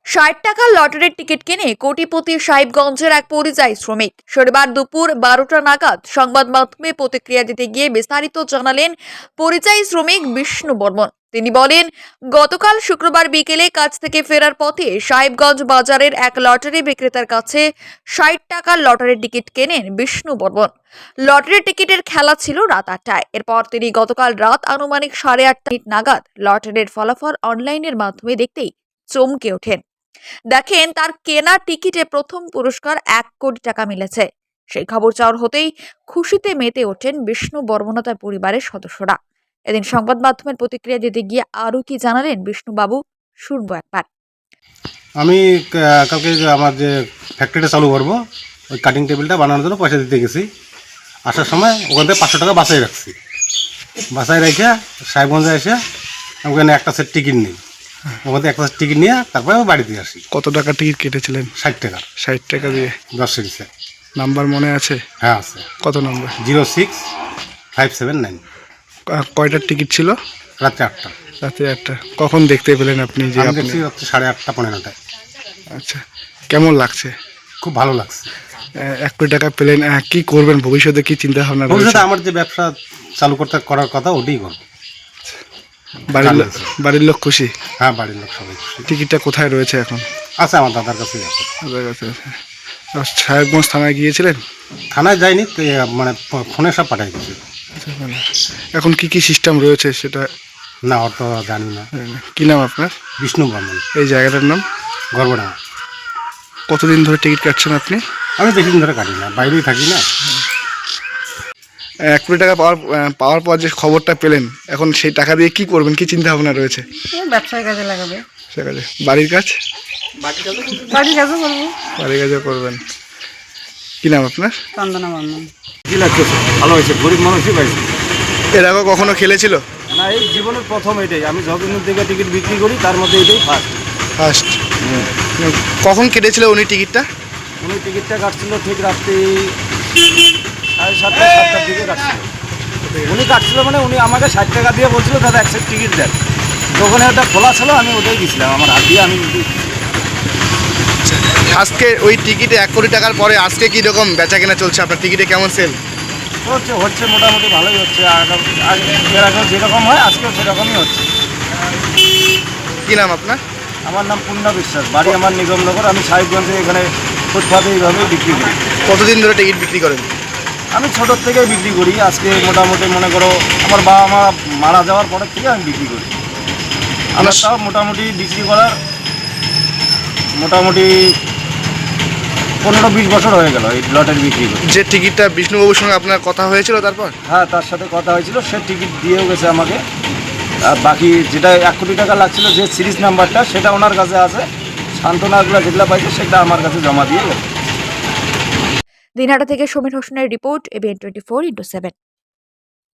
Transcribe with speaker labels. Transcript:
Speaker 1: ৬০ টাকার লটারির টিকিট কিনে কোটিপতি সাহেবগঞ্জের এক পরিযায়ী শ্রমিক। শনিবার দুপুর 12টা নাগাদ সংবাদ মাধ্যমে প্রতিক্রিয়া দিতে গিয়ে বিস্তারিত জানালেন পরিযায়ী শ্রমিক বিষ্ণু বর্মন। তিনি বলেন, গতকাল শুক্রবার বিকেলে কাজ থেকে ফেরার পথে সাহেবগঞ্জ বাজারের এক লটারি বিক্রেতার কাছে ৬০ টাকার লটারির টিকিট কেনেন বিষ্ণু বর্মন। লটারির টিকিটের খেলা ছিল রাত 8টায়। এরপর তিনি গতকাল রাত আনুমানিক 8:30 নাগাদ লটারির ফলাফল অনলাইনের মাধ্যমে দেখতেই চমকে ওঠেন। দেখেন তার কেনা টিকিটে প্রথম পুরস্কার 1 কোটি টাকা মিলেছে। সেই খবর চাওয়ার হতেই খুশিতে মেতে ওঠেন বিষ্ণু বর্মন ও তার পরিবারের সদস্যরা। এদিন সংবাদ মাধ্যমের প্রতিক্রিয়া দিতে গিয়ে আরও কি জানালেন বিষ্ণুবাবু, শুনবো একবার।
Speaker 2: আমি কালকে আমার যে ফ্যাক্টরিটা চালু করবো, ওই কাটিং টেবিলটা বানানোর জন্য পয়সা দিতে গেছি। আসার সময় ওখান থেকে 500 টাকা বাসায় রাখছি। বাসায় রেখে সাহেবগঞ্জে এসে ওখানে একটা সেট টিকিট নিই। ওখান থেকে একটা সেট টিকিট নিয়ে তারপরে আমি বাড়িতে আসি।
Speaker 3: কত টাকার টিকিট কেটেছিলেন?
Speaker 2: 60 টাকা।
Speaker 3: 60 টাকা দিয়ে
Speaker 2: 10 সিরিজে।
Speaker 3: নাম্বার মনে আছে?
Speaker 2: হ্যাঁ আছে।
Speaker 3: কত নম্বর?
Speaker 2: 06579।
Speaker 3: কয়টার টিকিট ছিল?
Speaker 2: রাত্রে 8টা।
Speaker 3: রাতে 8টা। কখন দেখতে পেলেন আপনি যে
Speaker 2: আমি
Speaker 3: আপনি?
Speaker 2: দেখছি রাত্রে 8:30 9:30টায়।
Speaker 3: আচ্ছা, কেমন লাগছে?
Speaker 2: খুব ভালো লাগছে।
Speaker 3: 1 কোটি টাকা পেলেন, কি করবেন ভবিষ্যতে, কি চিন্তা ভাবনা রয়েছে?
Speaker 2: ভবিষ্যতে আমার যে ব্যবসা চালু করার কথা ওটাই করবো।
Speaker 3: বাড়ির লোক খুশি?
Speaker 2: হ্যাঁ, বাড়ির লোক সবাই খুশি।
Speaker 3: টিকিটটা কোথায় রয়েছে এখন?
Speaker 2: আছে, আমার দাদার কাছেই আছে।
Speaker 3: আপনার কাছে আছে। সাহেবগঞ্জ থানায় গিয়েছিলেন?
Speaker 2: থানায় যাইনি, তো মানে ফোনে সব পাঠাই দিচ্ছি।
Speaker 3: আচ্ছা, ভালো। এখন কি সিস্টেম রয়েছে সেটা
Speaker 2: না, ওর তো জানি না।
Speaker 3: কি নাম আপনার?
Speaker 2: বিষ্ণু বর্মন।
Speaker 3: এই জায়গাটার নাম?
Speaker 2: গর্বডাঙ্গা।
Speaker 3: কতদিন ধরে টিকিট কাটছেন আপনি?
Speaker 2: আমি বেশি দিন ধরে কাটি না, বাইরেই থাকি না।
Speaker 3: 1 কোটি টাকা পাওয়ার পর যে খবরটা পেলেন, এখন সেই টাকা দিয়ে কি করবেন, কি চিন্তা ভাবনা রয়েছে?
Speaker 4: ব্যবসায় কাজে লাগাবে।
Speaker 3: সে কাজে বাড়ির কাজ?
Speaker 4: বাড়ির কাজও করবো।
Speaker 3: বাড়ির কাজও করবেন। কি নাম আপনার?
Speaker 4: চন্দনা বর্মন।
Speaker 5: কি লাগছে? ভালো হয়েছে, গরিব মানুষই পাইছে।
Speaker 3: এর আগে কখনো খেলেছিল?
Speaker 5: না, এই জীবনের প্রথম এটাই। আমি যতদিন থেকে টিকিট বিক্রি করি তার মধ্যে এটাই ফার্স্ট।
Speaker 3: ফার্স্ট। কখন কেটেছিল উনি টিকিটটা?
Speaker 5: উনি টিকিটটা কাটছিল ঠিক রাত্রি 7:30 দিকে কাটছিল। উনি কাটছিল মানে উনি আমাকে 60 টাকা দিয়ে বলছিল দাদা এক সেট টিকিট দেন। তো ওখানে ওটা খোলা ছিল, আমি ওটাই গেছিলাম আমার হাত দিয়ে। আমি
Speaker 3: আজকে ওই টিকিটে 1 কোটি টাকার পরে আজকে কি রকম বেচা কেনা চলছে? আপনার টিকিটে কেমন সেল
Speaker 5: হচ্ছে মোটামুটি ভালোই হচ্ছে। এর আগেও যেরকম হয় আজকেও সেরকমই হচ্ছে।
Speaker 3: কি নাম আপনার?
Speaker 5: আমার নাম পূর্ণা বিশ্বাস, বাড়ি আমার নিগমনগর। আমি সাহেবগঞ্জে এখানে ফুটপাতে এইভাবেই বিক্রি করি।
Speaker 3: কতদিন ধরে টিকিট বিক্রি করেন?
Speaker 5: আমি ছোটোর থেকেই বিক্রি করি। আজকে মোটামুটি মনে করো আমার বাবা মা মারা যাওয়ার পরের থেকে আমি বিক্রি করি। আমার তাও মোটামুটি বিক্রি করার মোটামুটি 15-20 বছর হয়ে গেল এই লটারি বিক্রি করি।
Speaker 3: যে টিকিটটা বিষ্ণুবাবুর সঙ্গে আপনার কথা হয়েছিল তারপর?
Speaker 5: হ্যাঁ, তার সাথে কথা হয়েছিল, সে টিকিট দিয়েও গেছে আমাকে। আর বাকি যেটা 1 কোটি টাকা লাগছিল, যে সিরিজ নাম্বারটা, সেটা ওনার কাছে আছে। সান্ত্বনাগুলো যেগুলো পাইছে সেটা আমার কাছে জমা দিয়ে গেছে।
Speaker 1: দিনহাটা থেকে সমীর হোসেনের রিপোর্ট, ABN 24x7।